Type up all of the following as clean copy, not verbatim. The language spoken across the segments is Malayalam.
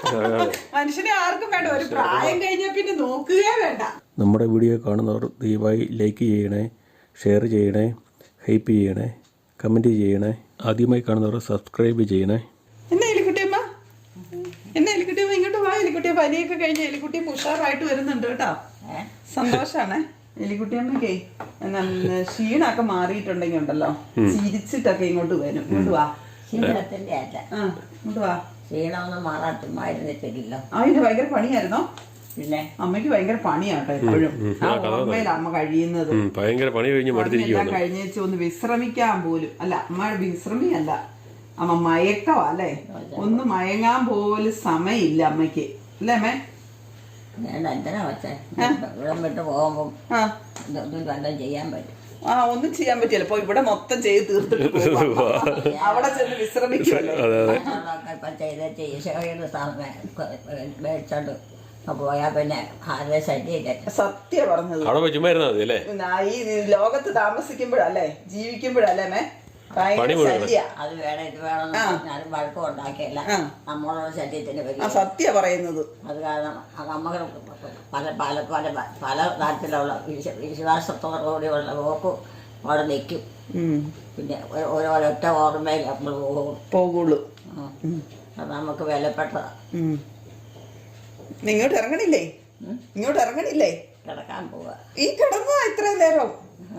മനുഷ്യനെ ആർക്കും വേണ്ട, ഒരു പ്രായം കഴിഞ്ഞാൽ പിന്നെ നോക്കുകയേ വേണ്ട. നമ്മുടെ വീഡിയോ കാണുന്നവർ ദയവായി ലൈക്ക് ചെയ്യണേ, ഷെയർ ചെയ്യണേ, ഹൈപ്പ് ചെയ്യണേ, കമൻറ്റ് ചെയ്യണേ. ആദ്യമായി കാണുന്നവർ സബ്സ്ക്രൈബ് ചെയ്യണേ. എന്നാ എലിക്കുട്ടിയമ്മ, ഇങ്ങോട്ട് വാ. എലിക്കുട്ടിയെ പനിയൊക്കെ കഴിഞ്ഞ എലിക്കുട്ടി ഉഷാറായിട്ട് വരുന്നുണ്ട് കേട്ടോ. സന്തോഷാണ് എലിക്കുട്ടിയമ്മക്കേ. ക്ഷീണൊക്കെ മാറിയിട്ടുണ്ടെങ്കിൽ ഉണ്ടല്ലോ, ചിരിച്ചിട്ടൊക്കെ ഇങ്ങോട്ട് വരും. ഇങ്ങോട്ട് വാ. ക്ഷീണത്തിന്റെ അല്ല, ഇങ്ങോട്ട് വാ. ക്ഷീണമൊന്നും മാറാട്ടുമായിരുന്നിട്ടില്ലല്ലോ. അതിന് ഭയങ്കര പണിയായിരുന്നോ? പിന്നെ അമ്മയ്ക്ക് ഭയങ്കര പണിയാട്ടോ എപ്പോഴും. ആ ഓർമ്മയില അമ്മ കഴിയുന്നത്. ഭയങ്കര പണി എല്ലാം കഴിഞ്ഞേച്ച് ഒന്ന് വിശ്രമിക്കാൻ പോലും അല്ല, അമ്മ വിശ്രമിയല്ല, അമ്മ മയക്കവാ അല്ലേ. ഒന്ന് മയങ്ങാൻ പോലും സമയമില്ല അമ്മയ്ക്ക്, അല്ലേ അമ്മേ? ഞാൻ എന്തിനാ വെച്ചേ, ഇവിടെ വിട്ട് പോകുമ്പോ ഇതൊന്നും വല്ലതും ചെയ്യാൻ പറ്റും. ഒന്നും ചെയ്യാൻ പറ്റില്ല. ഇപ്പൊ ഇവിടെ മൊത്തം ചെയ്ത് തീർത്തിട്ട് അവിടെ ചെന്ന് വിശ്രമിക്കുമല്ലോ. ഇപ്പൊ ചെയ്ത് മേടിച്ചോണ്ട് പോയാ പിന്നെ ആരുടെ ശല്യം. സത്യം പറഞ്ഞത്. ഈ ലോകത്ത് താമസിക്കുമ്പോഴല്ലേ, ജീവിക്കുമ്പോഴല്ലേ മേ ഭയങ്കര ശല്യ. അത് വേണം ഇത് വേണം ഞാനും വഴക്കം ഉണ്ടാക്കിയല്ല നമ്മളോട് ശല്യത്തിന് വരും. സത്യം പറയുന്നത്. അത് കാരണം നമുക്ക് പല പല പല പല തരത്തിലുള്ള വിശ്വാസത്തോടുകൂടിയുള്ള പോക്കും അവിടെ നിൽക്കും. പിന്നെ ഒരൊറ്റ ഓർമ്മയിൽ നമ്മൾ പോകുള്ളൂ. അത് നമുക്ക് വിലപ്പെട്ടതാണ്. ഇങ്ങോട്ട് ഇറങ്ങണില്ലേ? കിടക്കാൻ പോവാ. ഈ കിടന്നോ ഇത്രയും നേരം?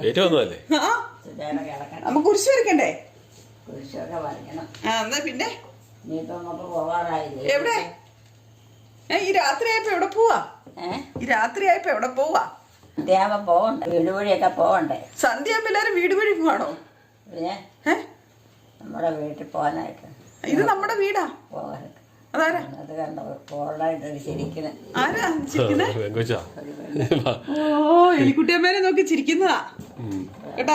നമുക്ക് കുരിശ് വരയ്ക്കണ്ടേ? കുരിശൊക്കെ വരയ്ക്കണം. എന്നാ പിന്നെ നീയിപ്പോ നമുക്ക് പോവാറായില്ലേ? എവിടെ? ഈ രാത്രിയായപ്പോ എവിടെ പോവാ? സന്ധ്യാകുമ്പോ പോവണ്ടേ? വീട് വഴിയൊക്കെ പോവണ്ടേ? സന്ധ്യാകുമ്പോ എല്ലാരും വീട് വഴി പോവാണോ? പിന്നെ നമ്മുടെ വീട്ടിൽ പോകാനായിട്ട്. ഇത് നമ്മുടെ വീടാ. പോകാനായിട്ട് അതാരാ? അത് കണ്ടോ പോകാനായിട്ട് ശരിക്കും. ആരാ ചിരിക്കുന്നേ? എലിക്കുട്ടിയമ്മേനെ നോക്കി ചിരിക്കുന്നതാ കേട്ടാ.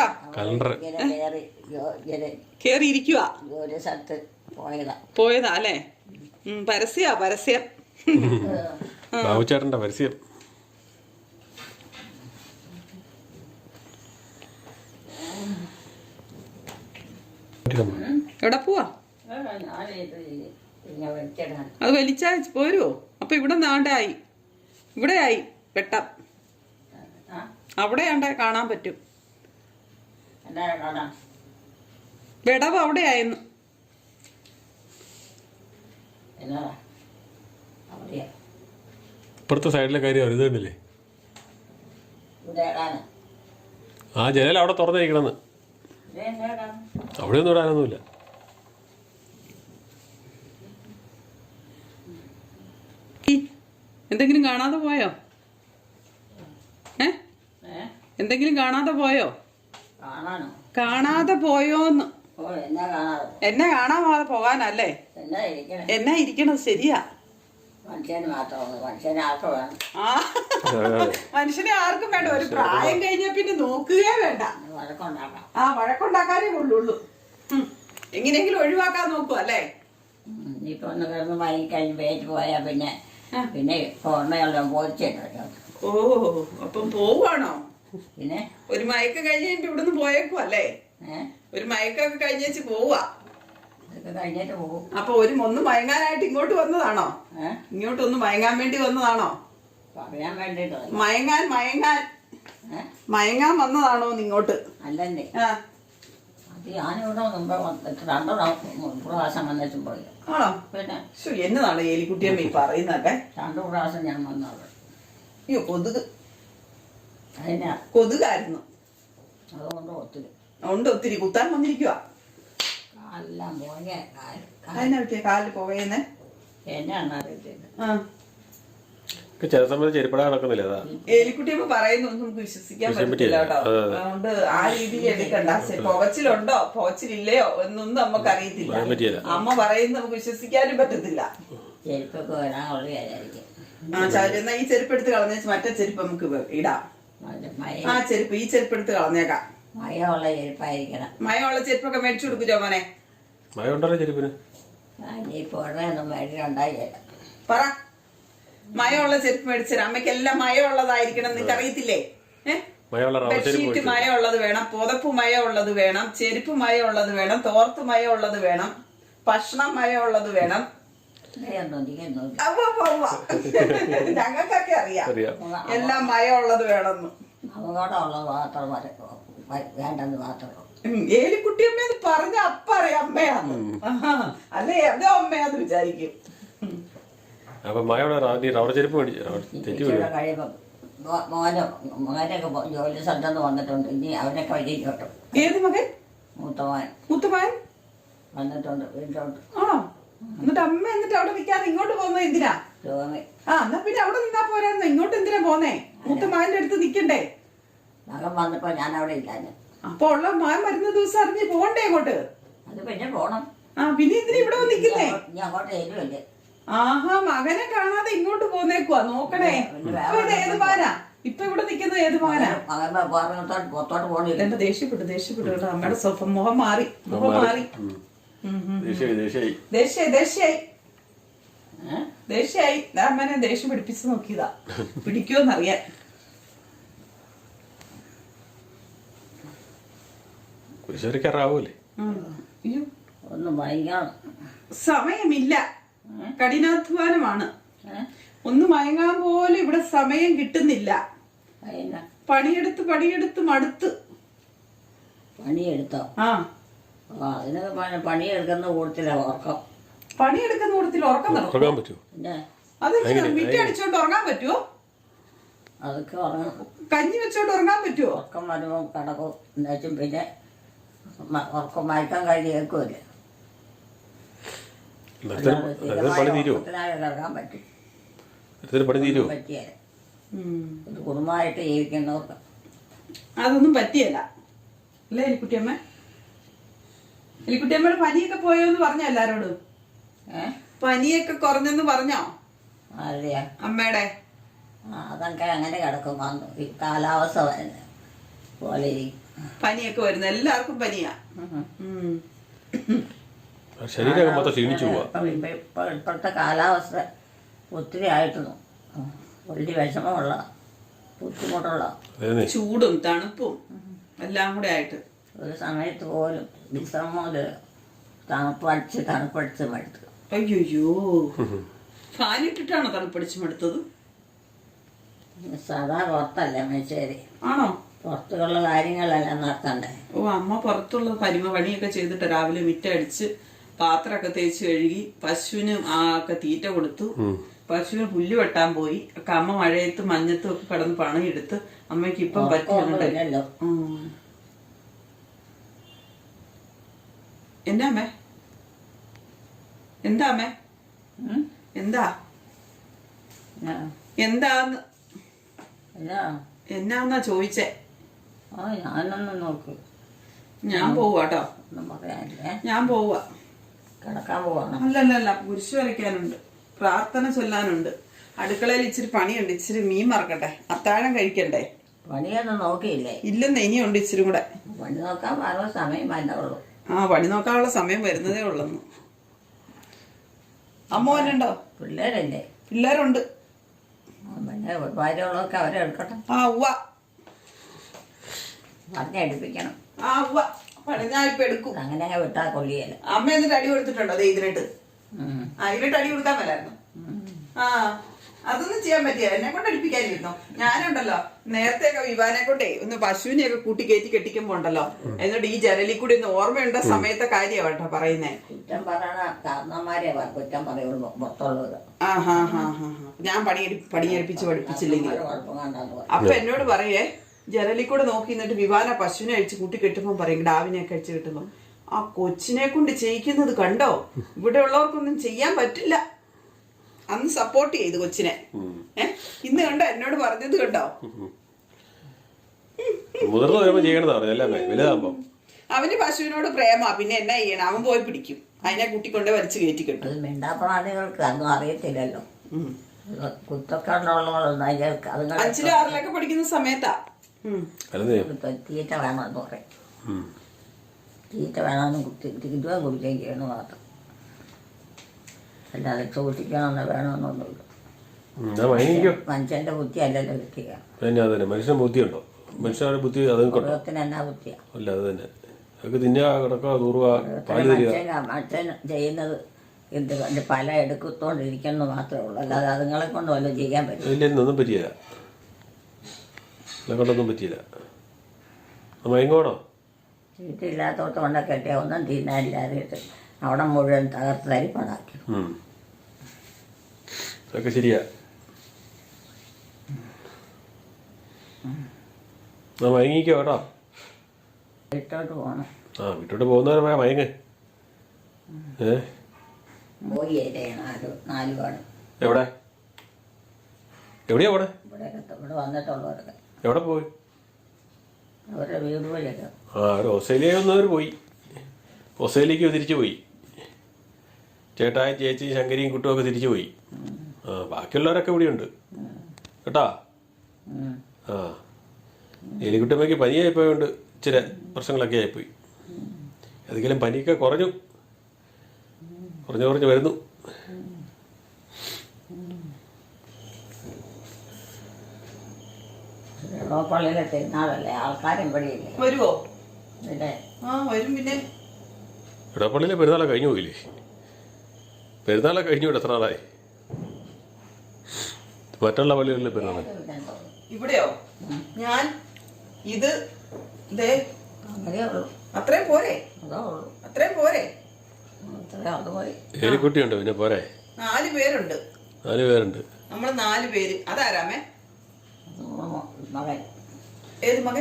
കേറി ഇരിക്കുക. ഒരു സ്ഥലത്ത് പോയതാ അല്ലേ? പരസ്യം. ബാബുചേട്ടന്റെ പരസ്യം. എവിടെ പോവാ? അത് വലിച്ചാ പോരുവോ? അപ്പൊ ഇവിടെ നാണ്ടായി, ഇവിടെയായി വെട്ടം. അവിടെയാണ്ട കാണാൻ പറ്റും. വിടവ് അവിടെയായിരുന്നു. ഇപ്പുറത്തെ സൈഡിലെ കാര്യം ഇത് കണ്ടില്ലേ? ആ ജനൽ അവിടെ തുറന്നിരിക്കണമെന്ന്. അവിടെ ഒന്നും ഇടാനൊന്നുമില്ല. എന്തെങ്കിലും കാണാതെ പോയോ? എന്തെങ്കിലും കാണാതെ പോയോ? കാണാതെ പോയോന്ന്. എന്നെ കാണാതെ പോകാനല്ലേ? എന്നാ ഇരിക്കണത്? ശരിയാ. മനുഷ്യനെ ആർക്കും വേണ്ട, ഒരു പ്രായം കഴിഞ്ഞാൽ പിന്നെ നോക്കുകയേ വേണ്ട. വഴക്കുണ്ടാക്കാനേ കൊള്ളുള്ളൂ. എങ്ങനെയെങ്കിലും ഒഴിവാക്കാൻ നോക്കുക അല്ലേ? ഇപ്പൊ ഒന്ന് കിടന്ന് വാങ്ങിക്കഴിഞ്ഞ് വേറ്റ് പോയാ പിന്നെ ഓർമ്മയെല്ലാം പോയിട്ടോ. ഓ, അപ്പം പോവാണോ? പിന്നെ ഒരു മയക്കം കഴിഞ്ഞ് ഇവിടുന്ന് പോയേക്കും അല്ലേ? ഒരു മയക്കൊക്കെ കഴിഞ്ഞേച്ച് പോവാ. കഴിഞ്ഞിട്ട് പോകും. അപ്പൊ ഒന്ന് മയങ്ങാനായിട്ട് ഇങ്ങോട്ട് വന്നതാണോ? ഇങ്ങോട്ടൊന്ന് മയങ്ങാൻ വേണ്ടി വന്നതാണോ? പറയാൻ വേണ്ടിട്ടോ. മയങ്ങാൻ വന്നതാണോ ഇങ്ങോട്ട്? അല്ലേ? അത് ഞാനിവിടെ മുമ്പ് 2 പ്രാവശ്യം വന്നിട്ടും പോയി. ആണോ? പിന്നെ എന്നതാണ് എലിക്കുട്ടിയമ്മ ഈ പറയുന്നൊക്കെ? 2 പ്രാവശ്യം ഞാൻ വന്നത്. അയ്യോ, കൊതുകായിരുന്നു. അതുകൊണ്ട് ഒത്തിരി കുത്താൻ വന്നിരിക്കുക. കാലെല്ലാം പോയ കാലിൽ പോവേന്നെ. എന്നാണ് അറിയത്തില്ല. ചില സമയത്ത് ചെരുപ്പട നടക്കുന്നില്ല. എലിക്കുട്ടിയമ്മ പറയുന്നു നമുക്ക് വിശ്വസിക്കാൻ പറ്റില്ല കേട്ടോ. അതുകൊണ്ട് ആ രീതിയിൽ എടുക്കണ്ട. പുകച്ചിലുണ്ടോ പുകച്ചിലില്ലയോ എന്നൊന്നും നമുക്ക് അറിയത്തില്ല. അമ്മ പറയുന്നത് നമുക്ക് വിശ്വസിക്കാനും പറ്റത്തില്ല. ചെരുപ്പൊക്കെ വരാനുള്ള വിചാരിക്കും. എന്നാ ഈ ചെരുപ്പ് എടുത്ത് കളഞ്ഞേച്ച് മറ്റേ ചെരുപ്പ് നമുക്ക് ഇടാം. ഈ ചെരുപ്പ് എടുത്ത് കളഞ്ഞേക്കാം. മയമുള്ള ചെരുപ്പായിരിക്കണം. മയമുള്ള ചെരുപ്പൊക്കെ മേടിച്ചു കൊടുക്കുമോ മോനെ? മയമുണ്ടല്ലോ ചെരുപ്പിന്. പറ, മയമുള്ള ചെരുപ്പ് മേടിച്ചു. അമ്മയ്ക്കെല്ലാം മയമുള്ളതായിരിക്കണം. നിങ്ങൾക്ക് അറിയത്തില്ലേ? ബെഡ്ഷീറ്റ് മയമുള്ളത് വേണം, പുതപ്പ് മയമുള്ളത് വേണം, ചെരുപ്പ് മയമുള്ളത് വേണം, തോർത്ത് മയമുള്ളത് വേണം, ഭക്ഷണം മയമുള്ളത് വേണം. ഞങ്ങൾക്കൊക്കെ അറിയാം അറിയാം. എല്ലാം മയമുള്ളത് വേണമെന്ന്. അപകടമുള്ളത് മാത്രം വേണ്ടെന്ന് മാത്രമേ. ഏലിക്കുട്ടിയമ്മേന്ന് പറഞ്ഞ അപ്പ അറിയാം അമ്മയാന്ന്. അല്ലെ ഏതോ അമ്മയാന്ന് വിചാരിക്കും. അപ്പൊ മഴയുടെ റബ്ബർ ചെരുപ്പ് തെറ്റി വീഴും. കഴിയുമ്പോ മോനൊക്കെ ജോലി സ്ഥലത്തുനിന്ന് വന്നിട്ടുണ്ട്. ഇനി അവനൊക്കെ വഴി കേട്ടോ. ഏത് മകൻ? മൂത്തമകൻ വന്നിട്ടുണ്ട് വീട്ടിലോട്ട്. ആണോ? എന്നിട്ട് അമ്മ അവിടെ നിൽക്കാതെ ഇങ്ങോട്ട് പോകുന്നത് എന്തിനാ? എന്നാ പിന്നെ അവിടെ നിന്നാ പോരായിരുന്നു. ഇങ്ങോട്ട് എന്തിനാ പോന്നേ? മൂത്തമകന്റെ അടുത്ത് നിക്കണ്ടേ? മകൻ വന്നപ്പോ ഞാൻ അവിടെ ഇല്ല. അപ്പൊ ഉള്ള മകൻ വരുന്ന ദിവസം അറിഞ്ഞ് പോകണ്ടേ അങ്ങോട്ട്? അത് പിന്നെ പോണം. പിന്നെ എന്തിനാ ഇവിടെ നിക്കുന്നേ? ഞാൻ അങ്ങോട്ട് തരുമല്ലേ. ആഹാ, മകനെ കാണാതെ ഇങ്ങോട്ട് പോന്നേക്കുവാ. നോക്കണേ, ഇപ്പൊ ഇത് ഏത് മാനാ? ഇപ്പൊ ഇവിടെ നിക്കുന്നത് ഏത് മാനാ? പുറത്തോട്ട് പോണില്ല. എന്റെ ദേഷ്യപ്പെട്ടു കേട്ടോ. അമ്മയുടെ സ്വഭാവം മുഖം മാറി. ദേഷ്യായി. അമ്മനെ ദേഷ്യം പിടിപ്പിച്ച് നോക്കിയതാ. പിടിക്കുമെന്നറിയാൻ. ഒന്ന് മയങ്ങാം. സമയമില്ല, കഠിനാധ്വാനമാണ്. ഒന്ന് മയങ്ങാൻ പോലും ഇവിടെ സമയം കിട്ടുന്നില്ല. പണിയെടുത്ത് മടുത്ത്. പണിയെടുത്തോ? അതിനൊക്കെ പണിയെടുക്കുന്ന കൂട്ടത്തില ഉറക്കം. പണിയെടുക്കുന്ന കൂട്ടത്തിൽ ഉറക്കം പറ്റുമോ? അത് മിറ്റ അടിച്ചോണ്ട് ഉറങ്ങാൻ പറ്റുമോ? അതൊക്കെ ഉറങ്ങണം. കഞ്ഞി വെച്ചോണ്ട് ഉറങ്ങാൻ പറ്റുമോ? ഉറക്കം വരുമ്പോ കിടക്കും. എന്നുവെച്ചും പിന്നെ ഉറക്കം മയക്കാൻ കഴിയേക്കുമല്ലേ. കിടക്കാൻ പറ്റും. പറ്റിയാല് ഒരു കുടുംബമായിട്ട് ജീവിക്കുന്നവർക്ക് അതൊന്നും പറ്റിയല്ല അല്ലേ എലിക്കുട്ടിയമ്മ? എലിക്കുട്ടിയമ്മയുടെ പനിയൊക്കെ പോയോന്ന് പറഞ്ഞോ എല്ലാരോടും? പനിയൊക്കെ കുറഞ്ഞെന്ന് പറഞ്ഞോ? അറിയാ അമ്മയുടെ അതൊക്കെ അങ്ങനെ കിടക്കും. കാലാവസ്ഥ പോലെ പനിയൊക്കെ വരുന്നു. എല്ലാവർക്കും പനിയാ. ഇപ്പോഴത്തെ കാലാവസ്ഥ ഒത്തിരി ആയിരുന്നു. വലിയ വിഷമമുള്ള ബുദ്ധിമുട്ടുള്ള ചൂടും തണുപ്പും എല്ലാം കൂടെ ആയിട്ട് ഒരു സമയത്ത് പോലും വിശ്രമം തണുപ്പടിച്ച് മടുത്തു. അയ്യോ, ഫാനിട്ടിട്ടാണോ തണുപ്പടിച്ച് മടുത്തത്? സാധാ പുറത്തല്ലേ മേച്ചേരി. ആണോ? പുറത്തുള്ള കാര്യങ്ങളെല്ലാം നടത്തണ്ടേ. അമ്മ പുറത്തുള്ള പണിയൊക്കെ ചെയ്തിട്ട് രാവിലെ മിറ്റടിച്ച് പാത്രമൊക്കെ തേച്ച് കഴുകി പശുവിന് ഒക്കെ തീറ്റ കൊടുത്തു. പശുവിന് പുല്ല് വെട്ടാൻ പോയി. അമ്മ മഴയത്ത് മഞ്ഞത്തും ഒക്കെ കിടന്ന് പണിയെടുത്ത് അമ്മയ്ക്ക് ഇപ്പം പറ്റില്ലല്ലോ. എന്താ അമ്മേ? എന്താന്ന് എന്നാന്നാ ചോദിച്ചേ? ഞാനൊന്നും നോക്ക്. ഞാൻ പോവാട്ടോ. ഞാൻ പോവാ. കിടക്കാൻ പോവാണ്. അല്ലല്ല, കുരിശ് വരയ്ക്കാനുണ്ട്, പ്രാർത്ഥന ചൊല്ലാനുണ്ട്, അടുക്കളയിൽ ഇച്ചിരി പണിയുണ്ട്, ഇച്ചിരി മീൻ മറക്കട്ടെ, അത്താഴം കഴിക്കണ്ടേ. പണിയൊന്നും നോക്കിയില്ലേ? ഇല്ലെന്ന്, ഇനിയുണ്ട് ഇച്ചിരി കൂടെ. പണി നോക്കാൻ പറഞ്ഞ സമയം വന്നോളൂ. പണി നോക്കാനുള്ള സമയം വരുന്നതേ ഉള്ളെന്ന്. അമ്മോനുണ്ടോ? പിള്ളേരല്ലേ? പിള്ളേരുണ്ട്. പിന്നെ ഭാര്യകളൊക്കെ അവരെ എടുക്കട്ടെ. പറഞ്ഞെടുപ്പിക്കണം. ഞാൻ ഇപ്പൊ എടുക്കും. അങ്ങനെ വിട്ടാ കൊള്ളിയല്ല. അമ്മ എന്നിട്ട് അടി കൊടുത്തിട്ടുണ്ടോ? അതെ, ഇതിനിട്ട് അടി കൊടുക്കാൻ മേലായിരുന്നു. അതൊന്നും ചെയ്യാൻ പറ്റിയ എന്നെ കൊണ്ട് അടുപ്പിക്കാനിരുന്നോ? ഞാനുണ്ടല്ലോ നേരത്തെ വിവാനെ കൊണ്ടേ ഒന്ന് പശുവിനെയൊക്കെ കൂട്ടി കയറ്റി കെട്ടിക്കുമ്പോ ഉണ്ടല്ലോ, എന്നിട്ട് ഈ ജനലിൽ കൂടി ഒന്ന് ഓർമ്മയുണ്ട സമയത്തെ കാര്യമാണ് കേട്ടോ പറയുന്നേ. കുറ്റം പറയണ കാരണന്മാരെ കുറ്റം പറയുള്ളൂ പുറത്തുള്ളത്. ഞാൻ പണിയെടുപ്പിച്ച് പഠിപ്പിച്ചില്ലെങ്കിൽ അപ്പൊ എന്നോട് പറയേ, ജനലിൽ കൂടെ നോക്കി നിന്നിട്ട് വിവാന പശുവിനെ അഴിച്ച് കൂട്ടി കെട്ടുമ്പോ പറയും, ഡാവിനെയൊക്കെ അഴിച്ച് കെട്ടുമ്പോ ആ കൊച്ചിനെ കൊണ്ട് ചെയ്യിക്കുന്നത് കണ്ടോ, ഇവിടെ ഉള്ളവർക്കൊന്നും ചെയ്യാൻ പറ്റില്ല. അന്ന് സപ്പോർട്ട് ചെയ്തു കൊച്ചിനെ. ഇന്ന് കണ്ടോ എന്നോട് പറഞ്ഞത് കണ്ടോ? അവന് പശുവിനോട് പ്രേമാ, പിന്നെ എന്നാ ചെയ്യണം? അവൻ പോയി പിടിക്കും, അതിനെ കൂട്ടിക്കൊണ്ട് വലിച്ചു കയറ്റി കെട്ടും. മിണ്ടാപ്രാണികൾക്ക് അതൊന്നും അറിയത്തില്ലല്ലോ. കുറ്റക്കാരുള്ളവളൊന്നും 5ലും 6ലൊക്കെ പഠിക്കുന്ന സമയത്താ തീറ്റ വേണമെന്ന് പറയും. തീറ്റ വേണമെന്ന് തിരുവാൻ കുടിക്കുകയും ചെയ്യണം മാത്രം. അല്ലാതെ സൂക്ഷിക്കണമെന്ന് വേണമെന്നൊന്നുമില്ല. മനുഷ്യന്റെ ബുദ്ധി അല്ലല്ലോ കിട്ടുക. മനുഷ്യന്റെ ബുദ്ധിയുണ്ടോ? മനുഷ്യന്റെ ബുദ്ധി മൃഗത്തിന് എന്നാ ബുദ്ധിയാ? അല്ല, അത് തന്നെ. മനുഷ്യൻ ചെയ്യുന്നത് എന്ത് പല എടുക്കത്തോണ്ടിരിക്കുന്നത് മാത്രമേ ഉള്ളൂ. അല്ലാതെ അതുങ്ങളെ കൊണ്ട് വല്ലതും ചെയ്യാൻ പറ്റും. ഇല്ലൊന്നും പറ്റിയില്ല, എന്നെ കൊണ്ടൊന്നും പറ്റിയില്ല. മയങ്ങോണോ? വീട്ടില്ലാത്തോട്ട് കൊണ്ട് കെട്ടിയ ഒന്നും തിന്നാനില്ലാതെ അവിടെ മുഴുവൻ തകർത്ത് തരിപ്പണാക്കി. അതൊക്കെ ശരിയാ. മയങ്ങിക്കോ കേട്ടോ. വീട്ടോട്ട് പോകണം. വീട്ടോട്ട് പോകുന്നവരെ മയങ്ങ്. പോയി നാല് പാട്. എവിടെ എവിടെയാ പോണേ? ഇവിടെ വന്നിട്ടുള്ളവരൊക്കെ എവിടെ പോയി? അവരുടെ വീട് പോലെയൊക്കെ. ഒരു ഓസ്ട്രേലിയ ഒന്നവർ പോയി. ഓസ്ട്രേലിയക്ക് തിരിച്ചു പോയി. ചേട്ടായും ചേച്ചിയും ശങ്കരിയും കുട്ടുമൊക്കെ തിരിച്ചു പോയി. ബാക്കിയുള്ളവരൊക്കെ ഇവിടെയുണ്ട് കേട്ടാ. എലിക്കുട്ടമ്മയ്ക്ക് പനിയായിപ്പോയോണ്ട് ഇച്ചിരി പ്രശ്നങ്ങളൊക്കെ ആയിപ്പോയി. ഏതെങ്കിലും പനിയൊക്കെ കുറഞ്ഞു വരുന്നു. പള്ളിയിലെ തിരുനാളല്ലേ, ആൾക്കാരും ഇവിടെയില്ലേ? വരുവോ? പിന്നെ വരും. പിന്നെ ഇടപ്പള്ളിയിലെ പെരുന്നാളെ കഴിഞ്ഞു പോയില്ലേ? പെരുന്നാളെ കഴിഞ്ഞു എത്ര നാളായി? മറ്റുള്ള പള്ളികളിലെ പെരുന്നാളെ ഇവിടെയോ? ഞാൻ ഇത് അങ്ങനെയേ ഉള്ളൂ. അത്രയും പോരെ? അതേ ഉള്ളൂ. അത്രയും പോരെ? അത് മതി. എലിക്കുട്ടിയുണ്ട്, പിന്നെ പോരെ? 4 പേരുണ്ട്. 4 പേരുണ്ട്. നമ്മള് 4 പേര്. അതാരാമേ? മകൻ. ഏത് മകൻ?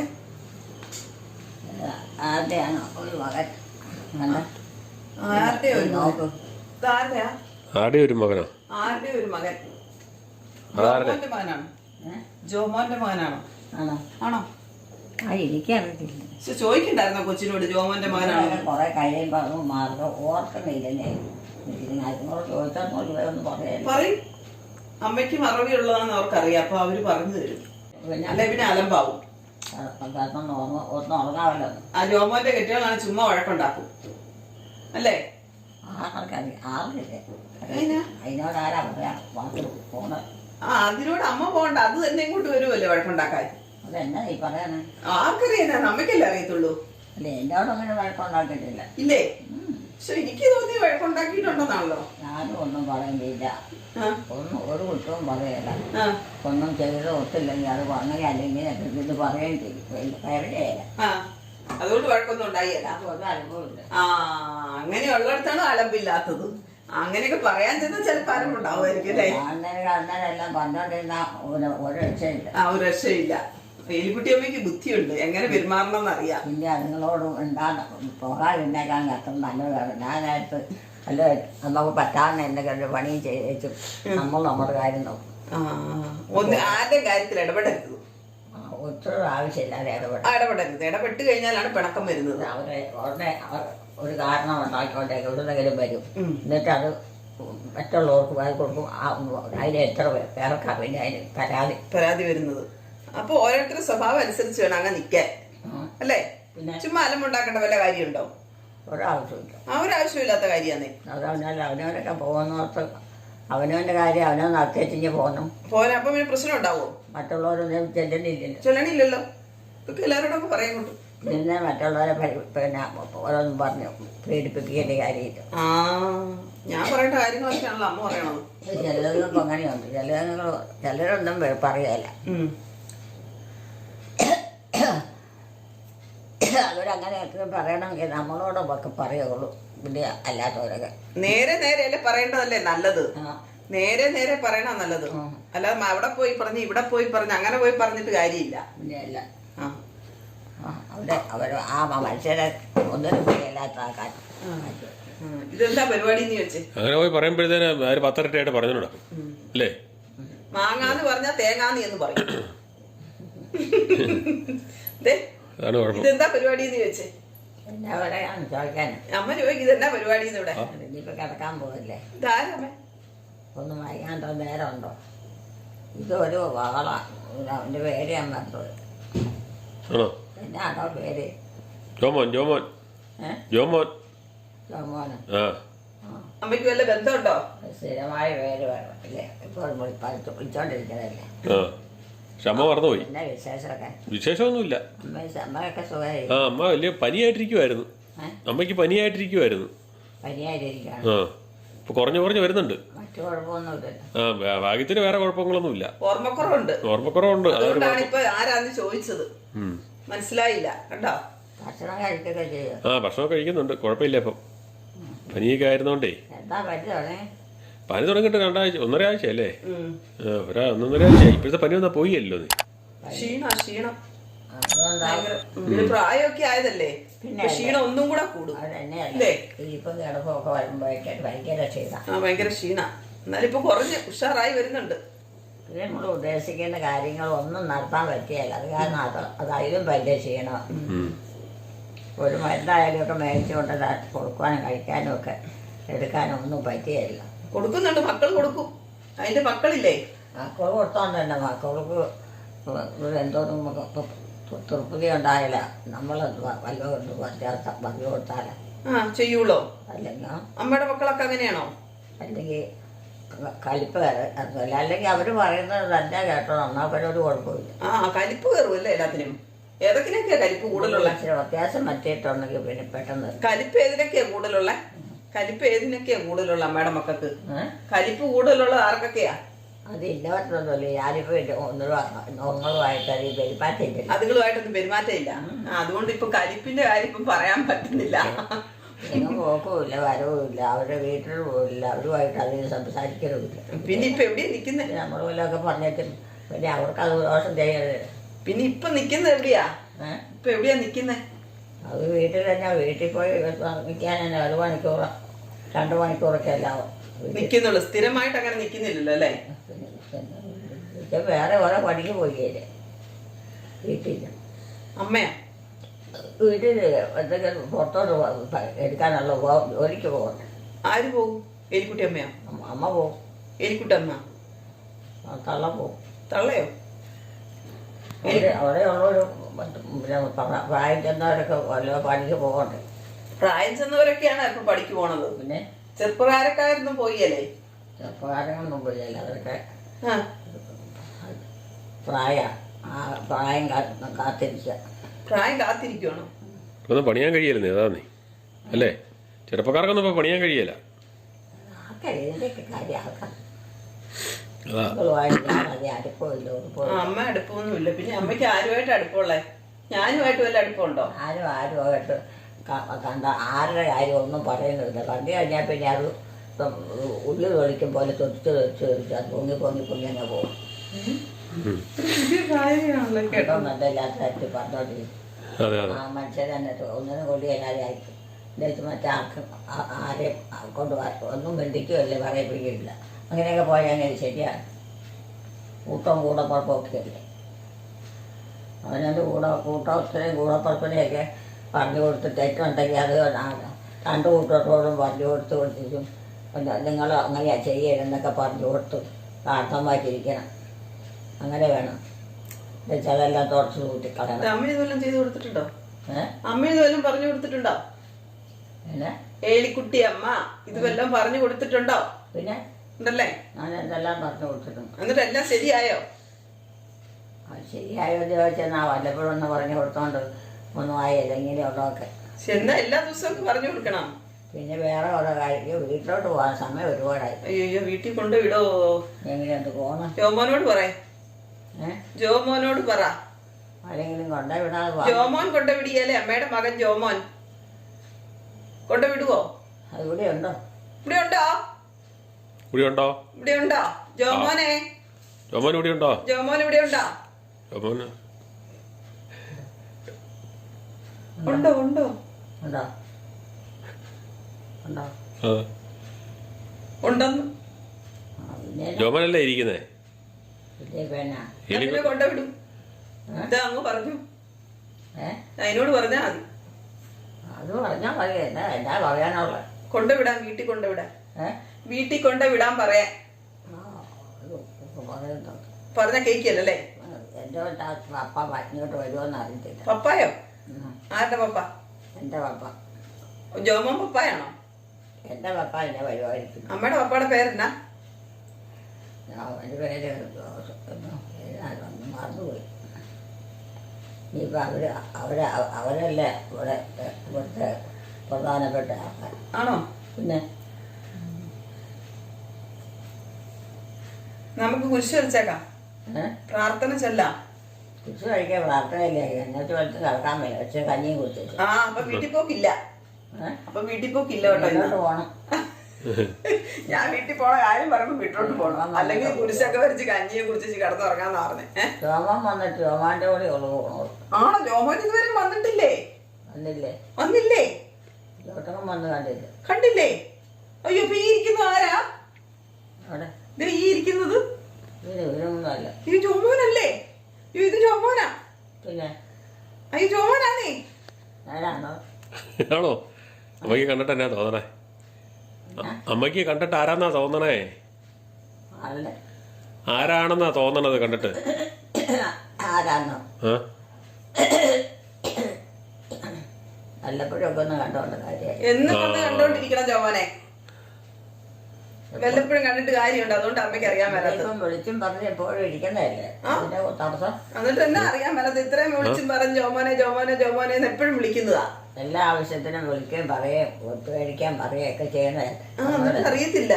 ആരുടെയാണ് ഒരു മകൻ? ആരുടെ ഒരു നോക്ക്. ആരുടെയാ? ആരുടെ ഒരു മകനോ? ആരുടെ ഒരു മകൻ? അതാരുടെ? ജോമോന്റെ മകനാണോ? ജോമോന്റെ മകനാണോ? ആണോ? എനിക്കറിയത്തില്ല. ചോദിക്കണ്ടായിരുന്നോ കൊച്ചിനോട് ജോമോന്റെ മകനാണോ? കൊറേ കഴിയും പറഞ്ഞു മാർഗം ഓർക്കണില്ലേ. അതിനോട് ചോദിച്ചാൽ ഒന്നും പറയല്ല. പറയും. അമ്മയ്ക്ക് മറവി ഉള്ളതാണെന്ന് അവർക്കറിയാം. അപ്പൊ അവര് പറഞ്ഞു തരും. അല്ലെ പിന്നെ അലമ്പാവും. ഒന്നും ഉറങ്ങാമല്ലോ. ആ ജോമോന്റെ കെട്ടികളാണ് ചുമ്മാ വഴക്കുണ്ടാക്കും അല്ലേ? അതിനോട് ആരാ പറയാ പോണത്? അതിനോട് അമ്മ പോകണ്ട. അത് തന്നെ ഇങ്ങോട്ട് വരുമല്ലേ വഴക്കുണ്ടാക്കാൻ. അതെന്നാ ഈ പറയാനാ? ആർക്കറിയാ? നമ്മക്കല്ലേ അറിയത്തുള്ളൂ. അല്ലേ എന്നോട് അങ്ങനെ വഴക്കുണ്ടാക്കിയിട്ടില്ല. ഇല്ലേ? പക്ഷെ എനിക്ക് തോന്നി വഴക്കുണ്ടാക്കിയിട്ടുണ്ടെന്നാണല്ലോ. ഞാനും ഒന്നും പറയുന്നില്ല. ഒരു കുറ്റവും പറയല. ആ ഒന്നും ചെയ്ത് ഒത്തില്ലെങ്കിൽ അത് അങ്ങനെ അല്ലെങ്കിൽ ഇത് പറയുകയും ചെയ്യും. കയറിയല്ല. അതുകൊണ്ട് വഴക്കൊന്നും ഉണ്ടായില്ല. ഒരു അനുഭവമില്ല. അങ്ങനെയുള്ളിടത്താണ് അലമ്പില്ലാത്തത്. അങ്ങനെയൊക്കെ പറയാൻ ചെന്നാൽ ചിലപ്പോൾ അലമ്പുണ്ടാവുമായിരിക്കും അല്ലേ? അന്നേരം പറഞ്ഞോണ്ടിരുന്ന ഒരു രക്ഷയില്ല. ഒരു രക്ഷയില്ല. എലിക്കുട്ടിയമ്മയ്ക്ക് ബുദ്ധിയുണ്ട്, എങ്ങനെ പെരുമാറണം എന്നറിയാം. പിന്നെ അതുങ്ങളോട് ഉണ്ടാകുന്ന പോകാതിരുന്നേക്കാൻ അത്ര നല്ലതാണ്. ഞാനായിട്ട് അല്ല നമുക്ക് പറ്റാവുന്ന എന്തെങ്കിലും പണിയും ചെയ്തു നമ്മൾ നമ്മുടെ കാര്യം നോക്കും. ആരുടെ കാര്യത്തിൽ ഇടപെടരുത്. ഒത്തിരി ആവശ്യമില്ലാതെ ഇടപെടരുത്. ഇടപെട്ട് കഴിഞ്ഞാലാണ് പിണക്കം വരുന്നത്. അവരെ ഉടനെ ഒരു കാരണം ഉണ്ടാക്കിക്കൊണ്ടേ എവിടുന്നെങ്കിലും വരും. എന്നിട്ട് അത് മറ്റുള്ളവർക്ക് കൊടുക്കും. അതിന് എത്ര പേർക്കാണ് പിന്നെ അതിന് പരാതി വരുന്നത്. അപ്പൊ ഓരോരുത്തരുടെ സ്വഭാവം അനുസരിച്ച് വേണം അങ്ങനെ നിൽക്കാൻ അല്ലേ? ചുമ്മാ അലമ്പുണ്ടാക്കേണ്ട വല്ല കാര്യമുണ്ടോ? ഒരാവശ്യമില്ല. ഒരാവശ്യമില്ലാത്ത കാര്യമാണ്. അതവനല്ല അവനവനൊക്കെ പോകുന്നോർത്ത് അവനവന്റെ കാര്യം അവനവൻ നടത്തിച്ച് പോകണം. അപ്പൊ പിന്നെ പ്രശ്നം ഉണ്ടാവോ? മറ്റുള്ളവരൊന്നും ചെല്ലണില്ലല്ലോ. ഇതൊക്കെ എല്ലാവരോടൊക്കെ പറയുന്നുണ്ട്. പിന്നെ മറ്റുള്ളവരെ പിന്നെ ഓരോന്നും പറഞ്ഞു പേടിപ്പിക്കേണ്ട കാര്യമില്ല. ഞാൻ പറയേണ്ട കാര്യങ്ങളൊക്കെയാണല്ലോ അമ്മ പറയണത്. ചിലതുങ്ങൾക്ക് അങ്ങനെയുണ്ട്. ചിലരൊന്നും പറയുകയല്ല. അവരങ്ങനെയൊക്കെ പറയണമെങ്കിൽ നമ്മളോടൊക്കെ പറയുള്ളൂ. പിന്നെ അല്ലാത്തവരൊക്കെ നേരെ നേരെ പറയേണ്ടതല്ലേ നല്ലത്. നേരെ പറയണ നല്ലത്. അല്ലാതെ അവിടെ പോയി പറഞ്ഞ് ഇവിടെ പോയി പറഞ്ഞ് അങ്ങനെ പോയി പറഞ്ഞിട്ട് കാര്യമില്ല. പിന്നെ അല്ല അവര് ആ മനുഷ്യരെ ഒന്നിനും പോയില്ലാത്ത ആൾക്കാർ. ഇതെന്താ പരിപാടി എന്ന് ചോദിച്ചേ? അങ്ങനെ പോയി പറയുമ്പോഴത്തേന് 10 ഇരട്ടിയായിട്ട് പറഞ്ഞോടാ അല്ലേ? മാങ്ങാന്ന് പറഞ്ഞാ തേങ്ങാന്ന് എന്ന് പറയും. ഇതെന്താ പരിപാടി എന്ന് ചോദിച്ചേ? എന്നാ പറയാന്ന് ചോദിക്കാന് അമ്മ ചോദിക്കും ഇതെന്നാ പരിപാടി ഇവിടെ? ഇനിയിപ്പോ കിടക്കാൻ പോകില്ലേ? ഇതാരമ്മേ? ഒന്നും വൈകാണ്ടോ നേരം ഉണ്ടോ? ഇതൊരു വള. അവന്റെ പേര് ഞാൻ പറഞ്ഞത്. എന്നാണോ പേര്? ജോമോൻ. അമ്മയ്ക്ക് വല്ല ബന്ധമുണ്ടോ? സ്ഥിരമായ പേര് വേണം അല്ലേ? ഇപ്പോൾ വിളിച്ചോണ്ടിരിക്കുന്നതല്ലേ. പക്ഷെ അമ്മ മറന്നുപോയി. എന്നാ വിശേഷമൊക്കെ? വിശേഷമൊന്നുമില്ല. അമ്മയൊക്കെ സുഖമായി. അമ്മ വലിയ പനിയായിട്ടിരിക്കുവായിരുന്നു. അമ്മയ്ക്ക് പനിയായിട്ടിരിക്കുവായിരുന്നു. പനിയായിട്ടിരിക്കുകയാണ്. ഇപ്പൊ കുറഞ്ഞു വരുന്നുണ്ട്. മറ്റു കുഴപ്പമൊന്നുമില്ലല്ലോ. ഭാഗ്യത്തിന് വേറെ കുഴപ്പങ്ങളൊന്നുമില്ല. ഓർമ്മക്കുറവുണ്ട്. ഓർമ്മക്കുറവുണ്ട്. അതുകൊണ്ടാണ് ഇപ്പൊ ആരാന്ന് ചോദിച്ചത്. മനസ്സിലായില്ല കണ്ടോ. ഭക്ഷണം കഴിക്കൊക്കെ ചെയ്യും. ഭക്ഷണം കഴിക്കുന്നുണ്ട്, കുഴപ്പമില്ല. ഇപ്പം പനിയൊക്കെ ആയിരുന്നോണ്ടേ. എന്താ പറ്റുവാണേ? പനി തുടങ്ങിയിട്ട് 2 ആഴ്ച 1.5 ആഴ്ച അല്ലേ? 1.5 ആഴ്ച. ഇപ്പോഴത്തെ പനി വന്നാൽ പോയല്ലോ നീ. ക്ഷീണം പ്രായമൊക്കെ ആയതല്ലേ, പിന്നെ ക്ഷീണം ഒന്നും കൂടെ കൂടും. ഇപ്പം കിടപ്പൊക്കെ വരുമ്പോഴേക്കും ഭയങ്കര ക്ഷീണ. എന്നാലും ഇപ്പൊ കുറഞ്ഞ് ഉഷാറായി വരുന്നുണ്ട്. പിന്നെ നമ്മൾ ഉദ്ദേശിക്കുന്ന കാര്യങ്ങളൊന്നും നടത്താൻ പറ്റിയല്ല. അത് കാരണം അതായാലും വലിയ ക്ഷീണം. ഒരു മരുന്നായാലും ഒക്കെ മേടിച്ചുകൊണ്ട് കൊടുക്കാനും കഴിക്കാനും ഒക്കെ എടുക്കാനും ഒന്നും പറ്റിയല്ല. കൊടുക്കുന്നുണ്ട്, മക്കൾ കൊടുക്കും. അതിന്റെ മക്കളില്ലേ, മക്കൾ കൊടുത്തോണ്ട് തന്നെ മക്കൾക്ക് എന്തോന്നും തൃപ്തി ഉണ്ടായില്ല. നമ്മൾ വല്ലതും പറഞ്ഞു കൊടുത്താല ചെയ്യൂളോ? അല്ലെങ്കിൽ അമ്മയുടെ മക്കളൊക്കെ അങ്ങനെയാണോ? അല്ലെങ്കിൽ കലിപ്പ് കയറില്ല. അല്ലെങ്കിൽ അവര് പറയുന്നത് തന്നെ കേട്ടോ, എന്നാ ഒരു കുഴപ്പമില്ല. കലിപ്പ് കയറുമല്ലേ എല്ലാത്തിനും. ഏതൊക്കെയൊക്കെയാ കലിപ്പ് കൂടുതലുള്ള? വ്യത്യാസം പറ്റിയിട്ടുണ്ടെങ്കിൽ പിന്നെ പെട്ടെന്ന്. കലിപ്പ് ഏതിനൊക്കെയാ കൂടുതലുള്ള? അമ്മയുടെ മക്കൾക്ക് കലിപ്പ് കൂടുതലുള്ളത് ആർക്കൊക്കെയാ? അത് ഇന്നവറ്റൊന്നുമില്ല. ഞാനിപ്പോ ഒന്നുമായിട്ട് പെരുമാറ്റമില്ല. അതുകളുമായിട്ടൊന്നും പെരുമാറ്റമില്ല. അതുകൊണ്ട് ഇപ്പൊ കലിപ്പിന്റെ കാര്യം ഇപ്പം പറയാൻ പറ്റുന്നില്ല. നിങ്ങൾ പോക്കുമില്ല, വരവുമില്ല, അവരുടെ വീട്ടിൽ പോകില്ല, അവരുമായിട്ട് അതിന് സംസാരിക്കലുമില്ല. പിന്നെ ഇപ്പൊ എവിടെയാ നിക്കുന്നത്? നമ്മൾ വല്ലതൊക്കെ പറഞ്ഞിട്ടും പിന്നെ അവർക്ക് അത് ദോഷം ചെയ്യരുത്. പിന്നെ ഇപ്പൊ നിക്കുന്നത് എവിടെയാ? ഇപ്പൊ എവിടെയാ നിക്കുന്നത്? അത് വീട്ടിൽ തന്നെ. വീട്ടിൽ പോയി നിൽക്കാൻ തന്നെ 1 മണിക്കൂർ 2 മണിക്കൂറൊക്കെ എല്ലാവും നിക്കുന്നുള്ളു. സ്ഥിരമായിട്ട് അങ്ങനെ നിക്കുന്നില്ലല്ലോ അല്ലേ? വേറെ ഓരോ പണിക്ക് പോയില്ലേ വീട്ടിൽ. അമ്മയാ വീട്ടിൽ എന്തെങ്കിലും പുറത്തോട്ട് എടുക്കാനുള്ള ജോലിക്ക് പോകണ്ടേ? ആര് പോകും? എലിക്കുട്ടി അമ്മയോ? അമ്മ പോകും. എലിക്കുട്ടമ്മ? തള്ള പോകും. തള്ളയോ? അവിടെ ഉള്ളൊരു പ്രായം ചെന്നവരൊക്കെ വല്ല പണിക്ക് പോകണ്ടേ? പ്രായം ചെന്നവരൊക്കെയാണ് ഇപ്പൊ പണിക്ക് പോണത്. പിന്നെ ചെറുപ്പക്കാരൊന്നും പോയല്ലേ? ചെറുപ്പക്കാരൊന്നും പോയല്ലേ. അവരൊക്കെ പ്രായം കാത്തിരിക്കുക. പ്രായം കാത്തിരിക്കുവാണോ? ഇപ്പൊന്നും പണിയാൻ കഴിയല്ലേ? അതാ നീ അല്ലേ? ചെറുപ്പക്കാർക്കൊന്നും ഇപ്പൊ പണിയാൻ കഴിയല. അമ്മ അടുപ്പമൊന്നുമില്ല. പിന്നെ അമ്മയ്ക്ക് ആരുമായിട്ട് അടുപ്പമുള്ളേ? ഞാനുമായിട്ട് വല്ല അടുപ്പമുണ്ടോ? ആരുമായിട്ട് കണ്ട ആരുടെ കാര്യം ഒന്നും പറയുന്നില്ല. കണ്ടു കഴിഞ്ഞാൽ പിന്നെ അത് ഉള്ളിൽ തൊളിക്കും പോലെ തൊടിച്ച് അത് പൊങ്ങി അങ്ങ് പോകും. കേട്ടോ, നല്ലല്ലാത്ത കാര്യത്തിൽ പറഞ്ഞോണ്ടിരിക്കും. ആ മനുഷ്യർ തന്നെ ഒന്നിനും കൊള്ളി എല്ലാവരും ആയിരിക്കും. എന്നുവെച്ച് മറ്റാർക്കും ആരെയും കൊണ്ട് ഒന്നും ബന്ധിക്കുകയല്ലേ, പറയിപ്പിക്കില്ല. അങ്ങനെയൊക്കെ പോയാൽ അങ്ങനെ ശരിയാണ്. കൂടപ്പുറപ്പൊക്കെ അല്ലേ. അവനവൻ്റെ കൂട്ടത്തിനെയും കൂടപ്പുറപ്പിനെയൊക്കെ പറഞ്ഞു കൊടുത്തിട്ട് തെറ്റുണ്ടെങ്കിൽ അത് 2 കൂട്ടത്തോടും പറഞ്ഞു കൊടുത്തിട്ടും നിങ്ങൾ അങ്ങനെ ചെയ്യരുതെന്നൊക്കെ പറഞ്ഞു കൊടുത്ത് പ്രാർത്ഥമായിട്ടിരിക്കണം. അങ്ങനെ വേണം. എന്നുവെച്ചാൽ അതെല്ലാം തുടച്ച് കൂട്ടിക്കളയണം. അമ്മ ഇതെല്ലാം ചെയ്ത് കൊടുത്തിട്ടുണ്ടോ? അമ്മ ഇതെല്ലാം പറഞ്ഞു കൊടുത്തിട്ടുണ്ടോ? പിന്നെ ഏലിക്കുട്ടി അമ്മ ഇതുവെല്ലാം പറഞ്ഞു കൊടുത്തിട്ടുണ്ടോ? പിന്നെ ഉണ്ടല്ലേ? ഞാൻ എന്തെല്ലാം പറഞ്ഞു കൊടുത്തിട്ടുണ്ട്. എന്നിട്ട് എല്ലാം ശരിയായോ? ശരിയായോ ചോദിച്ചാൽ വല്ലപ്പോഴും ഒന്ന് പറഞ്ഞു കൊടുത്തോണ്ട് ഒന്നും ആയില്ല. ഇങ്ങനെയുള്ളതൊക്കെ എന്നാ എല്ലാ ദിവസവും പറഞ്ഞു കൊടുക്കണം. പിന്നെ വേറെ ഓരോ കാര്യം വീട്ടിലോട്ട് പോകാൻ സമയം ഒരുപാടായി. അയ്യോ, വീട്ടിൽ കൊണ്ട് വിടോ? എങ്ങനെയുണ്ട് പോകണം? ജോമോനോട് പറയേ. ജോമോനോട് പറ. ആരെങ്കിലും കൊണ്ടേ വിടാതെ. ജോമോൻ കൊണ്ടുവിടിയാലേ? അമ്മയുടെ മകൻ ജോമോൻ കൊണ്ടുവിടുവോ? അത് ഇവിടെ ഉണ്ടോ? ഇവിടെ ഉണ്ടോ? ഇവിടെ ഉണ്ടോ? ജോമോനെ, ജോമോൻ ഇവിടെ ഉണ്ടോ? ജോമോൻ ഇവിടെ ഉണ്ടോ? ഉണ്ടോ? ഉണ്ടോ? ഉണ്ടോ? ഉണ്ടോ? ഉണ്ടെന്ന് ജോമോനല്ലേ ഇരിക്കുന്നേ? പിന്നെ കൊണ്ടുവിടും. ഇതാ അങ്ങ് പറഞ്ഞു. അതിനോട് പറഞ്ഞാ മതി. അത് പറഞ്ഞാ മതി. എന്നാ പറയാനുള്ള? കൊണ്ടുവിടാൻ, വീട്ടിൽ കൊണ്ടുവിടാൻ. വീട്ടിൽ കൊണ്ടുവിടാൻ പറയാൻ പറഞ്ഞ കേക്കല്ലേ? എന്റെ പപ്പ ഇങ്ങോട്ട് വരുമോന്ന് അറിയത്തില്ല. പപ്പായോ? ആരുടെ പപ്പ? എന്റെ പപ്പ. ജോമോൻ പപ്പായാണോ? എന്റെ പപ്പ എന്നെ വരുമായിരിക്കും. അമ്മയുടെ പപ്പയുടെ പേരെന്നാ? അവന്റെ പേര് മറന്നുപോയി. ഇനിയിപ്പോൾ അവരല്ലേ ഇവിടുത്തെ പ്രധാനപ്പെട്ട ആൾക്കാർ. ആണോ? പിന്നെ നമുക്ക് കുരിശ് വരച്ചേക്കാം, പ്രാർത്ഥന ചെല്ലാം. കുരിശ് കഴിക്കാൻ പ്രാർത്ഥനയില്ല, എന്നിട്ട് വെച്ച് കിടക്കാൻ വയ്യ, പക്ഷെ കഞ്ഞിയും കുടിച്ചു. ആ അപ്പൊ വീട്ടിൽ പോക്കില്ല, അപ്പൊ വീട്ടിൽ പോക്കില്ല കേട്ടോ. ഇങ്ങോട്ട് പോണം. ഞാൻ വീട്ടിൽ പോണ കാര്യം പറയുമ്പോ വീട്ടിലോട്ട് പോണം, അല്ലെങ്കിൽ കുരിശൊക്കെ വരച്ച് കഞ്ഞിയെ കുറിച്ച് കിടന്നുറങ്ങാന്ന് പറഞ്ഞേ. ജോമൻ വന്നിട്ട് ജോമാന്റെ കൂടെ ഉള്ളു പോകണോ? ആണോ? ജോമോൻ ഇതുവരെ വന്നിട്ടില്ലേ? വന്നില്ലേ? ചോട്ടകം വന്ന് കണ്ടില്ല. കണ്ടില്ലേ? അയ്യോ, ഇപ്പൊ ഈ ഇരിക്കുന്നത് ആരാ? അവിടെ ഈ ഇരിക്കുന്നത് ഇവരൊന്നുമല്ല. ഇത് ജോമോനല്ലേ? ഇത് ജോമോനാ? പിന്നെ അയ്യോ, ജോമോനാന്നേ. ആരാണോ? ആണോ? അമ്മയ്ക്ക് കണ്ടിട്ട് എന്നാ തോന്നണേ? അമ്മയ്ക്ക് കണ്ടിട്ട് ആരാന്നാ തോന്നണേ? ആരാണെന്നാ തോന്നണത് കണ്ടിട്ട്? ആരാന്നോ? വല്ലപ്പോഴൊക്കെ ഒന്ന് കണ്ടോണ്ട് കാര്യമായി. എന്ന് കണ്ടോണ്ടിരിക്കണം ജോമോനെ, വല്ലപ്പോഴും കണ്ടിട്ട് കാര്യമുണ്ട്. അതുകൊണ്ട് അമ്മയ്ക്ക് അറിയാൻ മേലാത്തത്. വിളിച്ചും പറഞ്ഞ് എപ്പോഴും ഇരിക്കുന്നതല്ലേ അതിന്റെ തടസ്സം. എന്നിട്ട് എന്നാ അറിയാൻ മേലാത്ത ഇത്രയും വിളിച്ചും പറഞ്ഞ് ജോമോനെ ജോമോനെ ജോമോനെ എന്ന് എപ്പോഴും വിളിക്കുന്നതാ. എല്ലാ ആവശ്യത്തിനും വിളിക്കുകയും പറയുകയും ഒത്തു കഴിക്കാൻ പറയുകയൊക്കെ ചെയ്യുന്നതല്ലേ. എന്നിട്ട് അറിയത്തില്ല.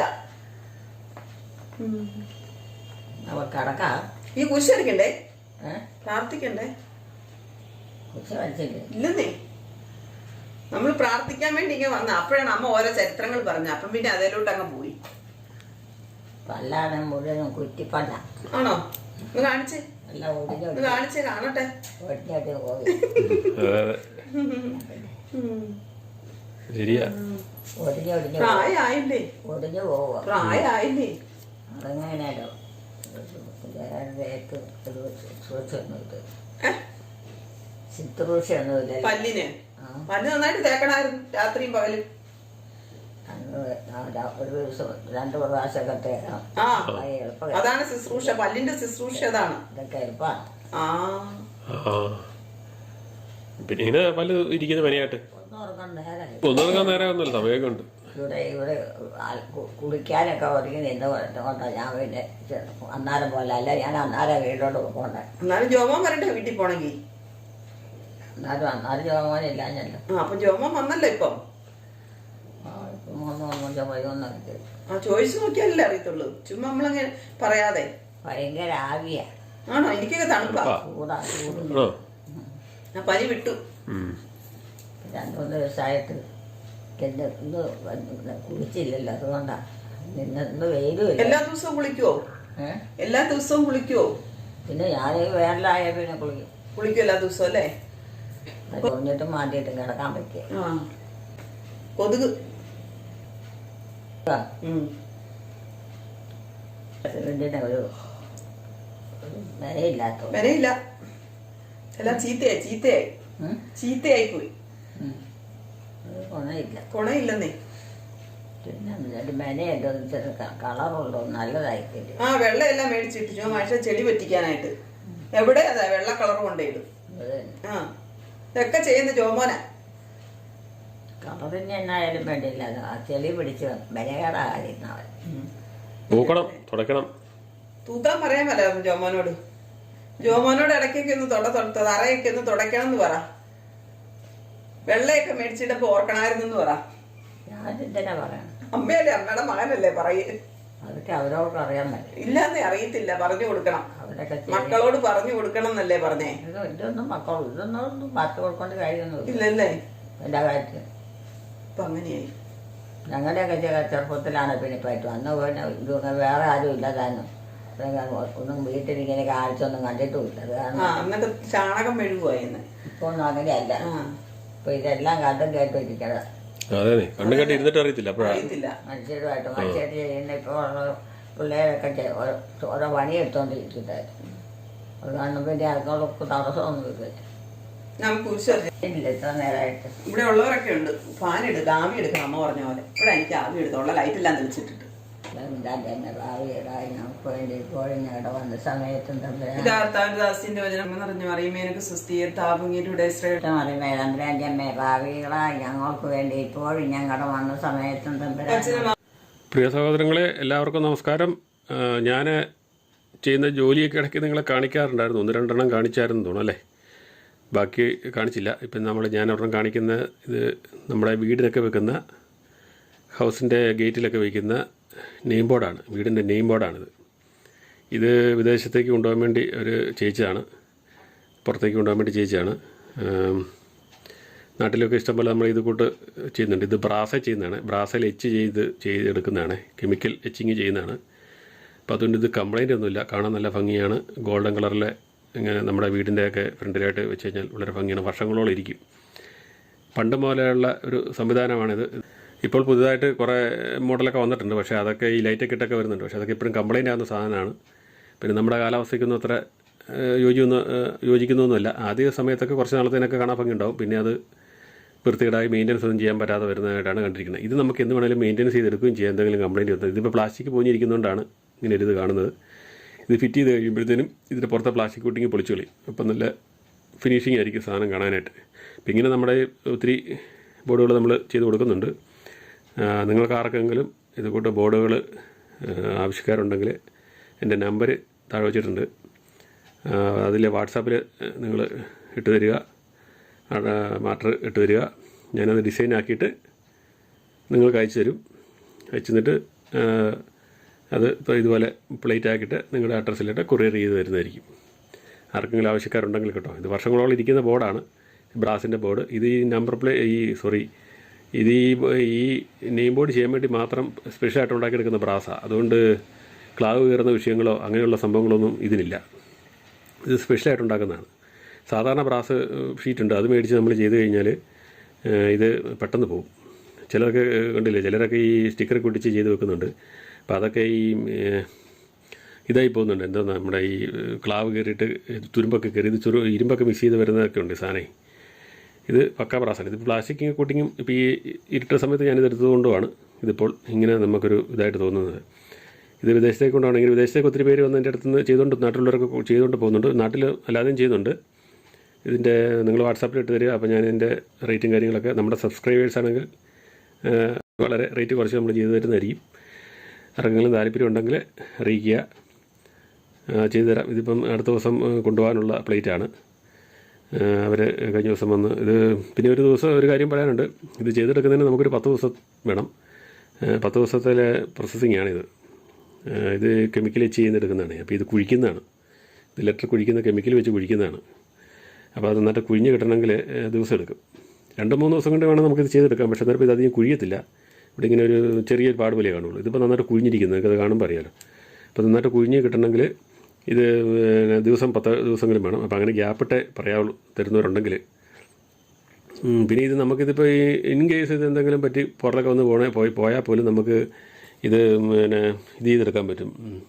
നമുക്ക് കിടക്കാം. ഈ കുരിശ് വരയ്ക്കണ്ടേ? പ്രാർത്ഥിക്കണ്ടേ? കുരിശ് വരച്ചില്ലേ? ഇല്ലെന്നേ, നമ്മൾ പ്രാർത്ഥിക്കാൻ വേണ്ടി ഇങ്ങനെ വന്ന അപ്പോഴാണ് അമ്മ ഓരോ ചരിത്രങ്ങൾ പറഞ്ഞു. അപ്പം പിന്നെ അതിലോട്ട് അങ്ങ് പോയി. പല്ലാണ് മുഴുവനും കുറ്റിപ്പല്ല. ആണോ? ഒന്ന് കാണിച്ചേ, എല്ലാം ഒടിഞ്ഞു കാണിച്ചേ, കാണട്ടെ. ഒടിഞ്ഞിട്ട് പോയി. ശരിയാ, ഒടിഞ്ഞൊടിഞ്ഞു പ്രായമായില്ലേ? ഒടിഞ്ഞു പോവുക. പ്രായമായില്ലേ? അതെങ്ങനെയാലോ ശുശ്രൂഷയൊന്നുമില്ല. പല്ലിന് പല്ല് നന്നായിട്ട് തേക്കണായിരുന്നു, രാത്രിയും പകലും. ഒരു ദിവസം 2 പ്രാവശ്യമൊക്കെ തേക്കണം. ആ, അതാണ് ശുശ്രൂഷ, പല്ലിന്റെ ശുശ്രൂഷ അതാണ്. ഇതൊക്കെ എളുപ്പമാണ്. പിന്നെ ഇങ്ങനെ പല്ല് ഇരിക്കുന്ന പനിയായിട്ട് ഒന്നുറങ്ങാൻ നേരം ഒന്നുമില്ല, സമയമൊക്കെ ഉണ്ട്. ഇവിടെ കുളിക്കാനൊക്കെ ഒരുങ്ങി നിന്ന് കൊണ്ടാ ഞാൻ പിന്നെ അന്നാരം പോലെ അല്ല, ഞാൻ അന്നാരം വീട്ടിലോട്ട് പോകണ്ടേ. എന്നാലും ജോമോൻ വരട്ടെ വീട്ടിൽ പോണെങ്കിൽ. അന്നാലും ജോമോനില്ലാഞ്ഞല്ലോ. അപ്പൊ ജോമോൻ വന്നല്ലോ ഇപ്പം. ചോദിച്ചു നോക്കിയാലല്ലേ അറിയത്തുള്ളൂ, ചുമ്മാ നമ്മളങ്ങനെ പറയാതെ. ഭയങ്കര ആവിയാ. ആണോ? എനിക്കൊക്കെ തണുപ്പാ. ചൂടാ, ഞാൻ പനി വിട്ടു. 2-3 ദിവസമായിട്ട് ഇന്ന് കുളിച്ചില്ലല്ലോ, അതുകൊണ്ടാ. ഇന്ന് വെയിലും ഇല്ല. എല്ലാ ദിവസവും കുളിക്കുവോ? എല്ലാ ദിവസവും കുളിക്കുവോ? പിന്നെ ഞാൻ വേനലായ പിന്നെ കുളിക്കും എല്ലാ ദിവസവും അല്ലേ? കുഞ്ഞിട്ടും മാറ്റിയിട്ടും കിടക്കാൻ പറ്റിയ. കൊതുക് ഒരു വിലയില്ലാത്ത വിലയില്ല, എല്ലാം ചീത്തയായി പോയി. കൊണയില്ലെന്നേ. പിന്നെ മെനയുണ്ടോ കളറുണ്ടോ നല്ലതായിട്ടില്ല. വെള്ളയെല്ലാം മേടിച്ചിട്ടു മനുഷ്യ ചെടി പറ്റിക്കാനായിട്ട്. എവിടെ അതാ വെള്ള കളർ കൊണ്ടേയിടും. ഇതൊക്കെ ചെയ്യുന്ന ജോമോന. കളറിന് എന്നായാലും വേണ്ടിയില്ല, ആ ചെളി പിടിച്ച് ബലകേടാകാതിരുന്നവൻ. തൂക്കാൻ പറയാൻ പല ജോമോനോട്. ജോമോനോട് ഇടയ്ക്കൊക്കെ ഒന്ന് തറയൊക്കെ ഒന്ന് തുടയ്ക്കണം എന്ന് പറ. വെള്ളയൊക്കെ മേടിച്ചിട്ടപ്പോ ഓർക്കണായിരുന്നു പറ. ഞാനെന്തിനാ പറയണം? അമ്മയല്ലേ, അമ്മയുടെ മകനല്ലേ പറയേ. അതൊക്കെ അവരോട് അറിയാൻ പറ്റും. ഇല്ലാന്നേ, അറിയത്തില്ല, പറഞ്ഞു കൊടുക്കണം. മക്കളോട് പറഞ്ഞു കൊടുക്കണം എന്നല്ലേ പറഞ്ഞേ. ഇതൊന്നും ഇതൊന്നും പറഞ്ഞു കൊടുക്കേണ്ട കാര്യമൊന്നും ഇല്ലല്ലേ എല്ലാ കാര്യത്തിലും. ഇപ്പൊ അങ്ങനെയായി. ഞങ്ങളുടെയൊക്കെ ചെറുപ്പത്തിലാണ് പിന്നെ പറ്റും. അന്ന് പിന്നെ ഇതൊന്നും വേറെ ആരും ഇല്ലതാനും ഒന്നും വീട്ടിലിങ്ങനെ കാഴ്ചയൊന്നും കണ്ടിട്ടുമില്ല. അത് കാരണം അന്നൊക്കെ ചാണകം മെഴുകുവായിരുന്നു. ഇപ്പൊ ഒന്നും അങ്ങനെയല്ല. ഇപ്പൊ ഇതെല്ലാം കണ്ടും കേട്ടിരിക്കണം. മനുഷ്യരുമായിട്ട് മനുഷ്യർ ചെയ്യുന്ന ഇപ്പോൾ പിള്ളേരൊക്കെ ഓരോ പണിയെടുത്തോണ്ടിരിക്കുന്നതായിരുന്നു. അത് കാരണം പിന്നെ അതിനോടൊക്കെ തടസ്സമൊന്നും ഇല്ല. ഇത്ര നേരമായിട്ട് ഇവിടെ ഉള്ളവരൊക്കെ ഉണ്ട്. ഫാൻ എടുക്കുക, ആവി എടുക്കണം അമ്മ പറഞ്ഞ പോലെ. ഇവിടെ എനിക്ക് ആവി എടുത്തോളാം, ലൈറ്റെല്ലാം തെളിച്ചിട്ടിട്ട്. ഞങ്ങൾക്ക് വേണ്ടി ഇപ്പോഴും ഞങ്ങളുടെ വന്ന സമയത്തും ഭാവികളായി ഞങ്ങൾക്ക് വേണ്ടി ഇപ്പോഴും ഞങ്ങളുടെ വന്ന സമയത്തും പ്രിയ സഹോദരങ്ങളെ, എല്ലാവർക്കും നമസ്കാരം. ഞാൻ ചെയ്യുന്ന ജോലിയൊക്കെ ഇടയ്ക്ക് നിങ്ങളെ കാണിക്കാറുണ്ടായിരുന്നു. 1-2 കാണിച്ചായിരുന്നു തോന്നുന്നു അല്ലേ? ബാക്കി കാണിച്ചില്ല. ഇപ്പം ഞാൻ ഒരെണ്ണം കാണിക്കുന്ന ഇത് നമ്മുടെ വീടിനൊക്കെ വെക്കുന്ന ഹൗസിൻ്റെ ഗേറ്റിലൊക്കെ വയ്ക്കുന്ന നെയിം ബോർഡാണ്. വീടിൻ്റെ നെയിം ബോർഡാണിത്. ഇത് വിദേശത്തേക്ക് കൊണ്ടുപോകാൻ വേണ്ടി ഒരു ചേച്ചിയാണ്, പുറത്തേക്ക് കൊണ്ടുപോകാൻ വേണ്ടി ചേച്ചിയാണ്. നാട്ടിലൊക്കെ ഇഷ്ടംപോലെ നമ്മൾ ഇത് കൂട്ട് ചെയ്യുന്നുണ്ട്. ഇത് ബ്രാസ ചെയ്യുന്നതാണ്, ബ്രാസയിൽ ചെയ്തെടുക്കുന്നതാണ്, കെമിക്കൽ എച്ചിങ് ചെയ്യുന്നതാണ്. അപ്പോൾ അതുകൊണ്ട് ഇത് കംപ്ലൈൻ്റ് ഒന്നുമില്ല, കാണാൻ നല്ല ഭംഗിയാണ്. ഗോൾഡൻ കളറിലെ ഇങ്ങനെ നമ്മുടെ വീടിൻ്റെയൊക്കെ ഫ്രണ്ടിലായിട്ട് വെച്ച് കഴിഞ്ഞാൽ വളരെ ഭംഗിയാണ്, വർഷങ്ങളോളം ഇരിക്കും. പണ്ട് മുതലുള്ള ഒരു സംവിധാനമാണിത്. ഇപ്പോൾ പുതുതായിട്ട് കുറേ മോഡലൊക്കെ വന്നിട്ടുണ്ട്, പക്ഷേ അതൊക്കെ ഈ ലൈറ്റൊക്കെ ഇട്ടൊക്കെ വരുന്നുണ്ട്. പക്ഷേ അതൊക്കെ ഇപ്പോഴും കംപ്ലൈൻ്റ് ആകുന്ന സാധനമാണ്. പിന്നെ നമ്മുടെ കാലാവസ്ഥയ്ക്കൊന്നും അത്ര യോജിക്കുന്നൊന്നുമല്ല. ആദ്യ സമയത്തൊക്കെ കുറച്ച് നാളത്തേനൊക്കെ കാണാൻ ഭംഗി ഉണ്ടാവും, പിന്നെ അത് വൃത്തികേടായി മെയിൻ്റനൻസ് ഒന്നും ചെയ്യാൻ പറ്റാതെ വരുന്നതായിട്ടാണ് കണ്ടിരിക്കുന്നത്. ഇത് നമുക്ക് എന്ത് വേണമെങ്കിലും മെയിൻ്റനൻസ് ചെയ്തെടുക്കുകയും ചെയ്യാം, എന്തെങ്കിലും കംപ്ലയിൻറ്റ് വന്നത്. ഇതിപ്പോൾ പ്ലാസ്റ്റിക് പോഞ്ഞിരിക്കുന്നതുകൊണ്ടാണ് ഇങ്ങനെ ഒരു ഇത് കാണുന്നത്. ഇത് ഫിറ്റ് ചെയ്ത് കഴിയുമ്പോഴത്തേനും ഇതിൻ്റെ പുറത്തെ പ്ലാസ്റ്റിക് കോട്ടിങ് പൊളിച്ചു കളി. അപ്പം നല്ല ഫിനിഷിംഗ് ആയിരിക്കും സാധനം കാണാനായിട്ട്. അപ്പം ഇങ്ങനെ നമ്മുടെ ഒത്തിരി ബോർഡുകൾ നമ്മൾ ചെയ്ത് കൊടുക്കുന്നുണ്ട്. നിങ്ങൾക്ക് ആർക്കെങ്കിലും ഇത് കൂട്ട് ബോർഡുകൾ ആവശ്യക്കാരുണ്ടെങ്കിൽ എൻ്റെ നമ്പർ താഴെ വെച്ചിട്ടുണ്ട്. അതിൽ വാട്സാപ്പിൽ നിങ്ങൾ ഇട്ട് തരിക, മാറ്റർ ഇട്ട് തരിക. ഞാനത് ഡിസൈൻ ആക്കിയിട്ട് നിങ്ങൾക്ക് അയച്ചു തരും. അയച്ചു തന്നിട്ട് അത് ഇപ്പോൾ ഇതുപോലെ പ്ലേറ്റ് ആക്കിയിട്ട് നിങ്ങളുടെ അഡ്രസ്സിലിട്ട് കൊറിയർ ചെയ്ത് തരുന്നതായിരിക്കും. ആർക്കെങ്കിലും ആവശ്യക്കാരുണ്ടെങ്കിൽ കേട്ടോ. ഇത് വർഷങ്ങളോളം ഇരിക്കുന്ന ബോർഡാണ്, ബ്രാസിൻ്റെ ബോർഡ്. ഇത് ഈ നമ്പർ ഇത് ഈ നെയിം ബോർഡ് ചെയ്യാൻ വേണ്ടി മാത്രം സ്പെഷ്യലായിട്ട് ഉണ്ടാക്കിയെടുക്കുന്ന ബ്രാസാണ്. അതുകൊണ്ട് ക്ലാവ് കയറുന്ന വിഷയങ്ങളോ അങ്ങനെയുള്ള സംഭവങ്ങളൊന്നും ഇതിനില്ല. ഇത് സ്പെഷ്യലായിട്ട് ഉണ്ടാക്കുന്നതാണ്. സാധാരണ ബ്രാസ് ഷീറ്റുണ്ട്, അത് മേടിച്ച് നമ്മൾ ചെയ്ത് കഴിഞ്ഞാൽ ഇത് പെട്ടെന്ന് പോകും. ചിലർക്ക് കണ്ടില്ലേ, ചിലരൊക്കെ ഈ സ്റ്റിക്കർ ഒട്ടിച്ച് ചെയ്ത് വെക്കുന്നുണ്ട്. അപ്പോൾ അതൊക്കെ ഈ ഇതായി പോകുന്നുണ്ട്. എന്താ നമ്മുടെ ഈ ക്ലാവ് കയറിയിട്ട് തുരുമ്പൊക്കെ കയറി ഇത് ഇരുമ്പൊക്കെ മിക്സ് ചെയ്ത് വരുന്നതൊക്കെ ഉണ്ട് സാധനം. ഇത് പക്ക ബ്രാസാണ്. ഇത് പ്ലാസ്റ്റിക് കോട്ടിങ്ങും ഇപ്പോൾ ഈ ഇരുട്ട സമയത്ത് ഞാനിത് എടുത്തതുകൊണ്ടുമാണ് ഇതിപ്പോൾ ഇങ്ങനെ നമുക്കൊരു ഇതായിട്ട് തോന്നുന്നത്. ഇത് വിദേശത്തേക്ക് കൊണ്ടാണെങ്കിൽ വിദേശത്തേക്ക് ഒത്തിരി പേര് വന്ന് എൻ്റെ അടുത്ത് നിന്ന് ചെയ്തുകൊണ്ട് നാട്ടിലുള്ളവരൊക്കെ ചെയ്തുകൊണ്ട് പോകുന്നുണ്ട്, നാട്ടിൽ അല്ലാതെയും ചെയ്യുന്നുണ്ട്. ഇതിൻ്റെ നിങ്ങൾ വാട്സാപ്പിൽ ഇട്ട് തരിക. അപ്പോൾ ഞാൻ എൻ്റെ റേറ്റും കാര്യങ്ങളൊക്കെ നമ്മുടെ സബ്സ്ക്രൈബേഴ്സ് ആണെങ്കിൽ വളരെ റേറ്റ് കുറച്ച് നമ്മൾ ചെയ്തു തരുന്നതായിരിക്കും. ആർക്കെങ്കിലും താല്പര്യം ഉണ്ടെങ്കിൽ അറിയിക്കുക, ചെയ്തു തരാം. ഇതിപ്പം അടുത്ത ദിവസം കൊണ്ടുപോകാനുള്ള പ്ലേറ്റാണ്. അവർ കഴിഞ്ഞ ദിവസം വന്ന് ഇത് പിന്നെ ഒരു ദിവസം ഒരു കാര്യം പറയാനുണ്ട്. ഇത് ചെയ്തെടുക്കുന്നതിന് നമുക്കൊരു 10 ദിവസം വേണം. 10 ദിവസത്തിലെ പ്രോസസ്സിങ്ങാണിത്. ഇത് കെമിക്കൽ വെച്ച് ചെയ്യുന്നെടുക്കുന്നതാണ്. അപ്പോൾ ഇത് കുഴിക്കുന്നതാണ്. ഇത് ലെറ്റർ കുഴിക്കുന്ന കെമിക്കൽ വെച്ച് കുഴിക്കുന്നതാണ്. അപ്പോൾ അത് നന്നായിട്ട് കുഴിഞ്ഞ് കിട്ടണമെങ്കിൽ ദിവസം എടുക്കും. 2-3 ദിവസം കൊണ്ട് വേണം നമുക്കിത് ചെയ്തെടുക്കാം. പക്ഷേ അന്നേരം ഇത് അധികം കുഴിയത്തില്ല. ഇവിടെ ഇങ്ങനെ ഒരു ചെറിയൊരു പാട് പോലെ കാണുള്ളൂ. ഇതിപ്പോൾ നന്നായിട്ട് കുഴിഞ്ഞിരിക്കുന്നത് നിങ്ങൾക്കത് കാണുമ്പോൾ അറിയാമല്ലോ. അപ്പോൾ നന്നായിട്ട് കുഴിഞ്ഞ് കിട്ടണമെങ്കിൽ ഇത് 10 ദിവസങ്ങളും വേണം. അപ്പോൾ അങ്ങനെ ഗ്യാപ്പിട്ടേ പറയാവുള്ളൂ തരുന്നവരുണ്ടെങ്കിൽ. പിന്നെ ഇത് നമുക്കിതിപ്പോൾ ഈ ഇൻ കേസ് ഇത് എന്തെങ്കിലും പറ്റി പുറത്തൊക്കെ വന്ന് പോയാൽ പോലും നമുക്ക് ഇത് പിന്നെ ഇത് ചെയ്തെടുക്കാൻ പറ്റും.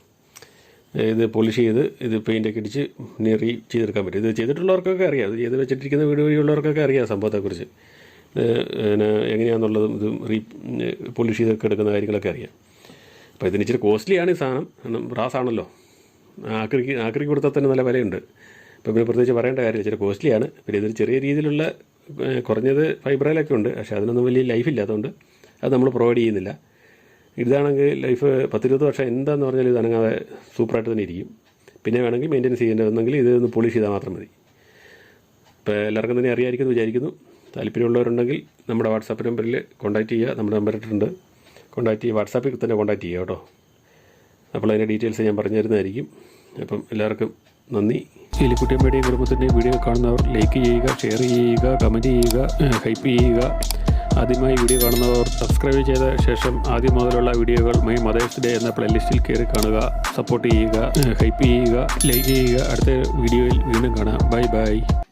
ഇത് പോളിഷ് ചെയ്ത് ഇത് പെയിൻ്റൊക്കെ ഇടിച്ച് ചെയ്തെടുക്കാൻ പറ്റും. ഇത് ചെയ്തിട്ടുള്ളവർക്കൊക്കെ അറിയാം, ഇത് ചെയ്ത് വെച്ചിട്ടിരിക്കുന്ന വീട് വഴിയുള്ളവർക്കൊക്കെ അറിയാം സംഭവത്തെക്കുറിച്ച്. പിന്നെ എങ്ങനെയാണെന്നുള്ളതും ഇത് പോളിഷ് ചെയ്തൊക്കെ എടുക്കുന്ന കാര്യങ്ങളൊക്കെ അറിയാം. അപ്പോൾ ഇതിന് ഇച്ചിരി കോസ്റ്റ്ലിയാണ് ഈ സാധനം, കാരണം ബ്രാസാണല്ലോ. ആക്രിക്ക് കൊടുത്താൽ തന്നെ നല്ല വിലയുണ്ട്. ഇപ്പോൾ പിന്നെ പ്രത്യേകിച്ച് പറയേണ്ട കാര്യമില്ല, ഇച്ചിരി കോസ്റ്റ്ലിയാണ്. പിന്നെ ഇതിൽ ചെറിയ രീതിയിലുള്ള കുറഞ്ഞത് ഫൈബ്രയിലൊക്കെ ഉണ്ട്, പക്ഷേ അതിനൊന്നും വലിയ ലൈഫില്ലാത്തതുകൊണ്ട് അത് നമ്മൾ പ്രൊവൈഡ് ചെയ്യുന്നില്ല. ഇതാണെങ്കിൽ ലൈഫ് 10-20 വർഷം എന്താണെന്ന് പറഞ്ഞാൽ ഇത് അനങ്ങാതെ സൂപ്പറായിട്ട് തന്നെ ഇരിക്കും. പിന്നെ വേണമെങ്കിൽ മെയിൻ്റെനൻസ് ചെയ്യേണ്ടതെന്നെങ്കിൽ ഇതൊന്ന് പോളിഷ് ചെയ്താൽ മാത്രം മതി. ഇപ്പോൾ എല്ലാവർക്കും തന്നെ അറിയാമായിരിക്കുമെന്ന് വിചാരിക്കുന്നു. താല്പര്യമുള്ളവരുണ്ടെങ്കിൽ നമ്മുടെ വാട്സാപ്പ് നമ്പറിൽ കോൺടാക്റ്റ് ചെയ്യുക. നമ്മുടെ നമ്പർ ഇട്ടിട്ടുണ്ട്, കോൺടാക്റ്റ് ചെയ്യുക. വാട്സാപ്പിൽ തന്നെ കോൺടാക്റ്റ് ചെയ്യുക കേട്ടോ. അപ്പോൾ അതിൻ്റെ ഡീറ്റെയിൽസ് ഞാൻ പറഞ്ഞു തരുന്നതായിരിക്കും. അപ്പം എല്ലാവർക്കും നന്ദി. എലിക്കുട്ടി അമ്മയുടെയും കുടുംബത്തിൻ്റെയും വീഡിയോ കാണുന്നവർ ലൈക്ക് ചെയ്യുക, ഷെയർ ചെയ്യുക, കമൻറ്റ് ചെയ്യുക, ഹൈപ്പ് ചെയ്യുക. ആദ്യമായി വീഡിയോ കാണുന്നവർ സബ്സ്ക്രൈബ് ചെയ്ത ശേഷം ആദ്യം മുതലുള്ള വീഡിയോകൾ മൈ മദേഴ്സ് ഡേ എന്ന പ്ലേലിസ്റ്റിൽ കയറി കാണുക. സപ്പോർട്ട് ചെയ്യുക, ഹൈപ്പ് ചെയ്യുക, ലൈക്ക് ചെയ്യുക. അടുത്ത വീഡിയോയിൽ വീണ്ടും കാണാം. Bye by.